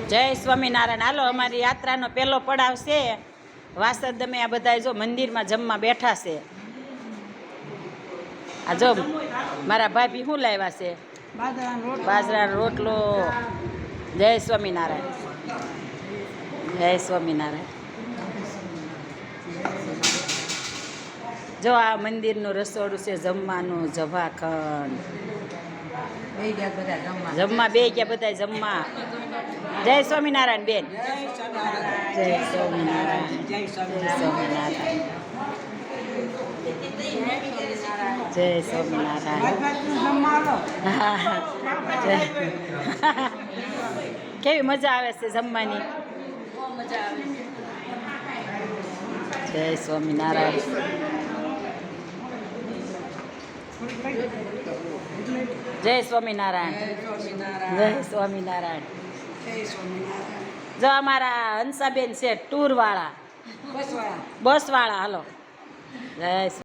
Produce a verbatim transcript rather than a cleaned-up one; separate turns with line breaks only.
જય સ્વામિનારાયણ. હાલો, અમારી યાત્રાનો પહેલો પડાવ છે વાસદ. અમે આ બધા જો મંદિરમાં જમવા બેઠા છે. આ જો મારા ભાભી શું લાવ્યા છે? બાજરાનો રોટલો. જય સ્વામિનારાયણ. જય સ્વામિનારાયણ. જો આ મંદિરનું રસોડું છે, જમવાનું જભાખંડ. જમવા બે ગયા બધા જમવા. જય સ્વામિનારાયણ બેન. જય સ્વામિનારાયણ. જય સ્વામિનારાયણ. જય સ્વામિનારાયણ. કેવી મજા આવે છે જમવાની? જય સ્વામિનારાયણ. જય સ્વામિનારાયણ. જય સ્વામિનારાયણ. જો અમારા હંસાબેન છે ટૂર વાળા, બસ વાળા. હાલો. જય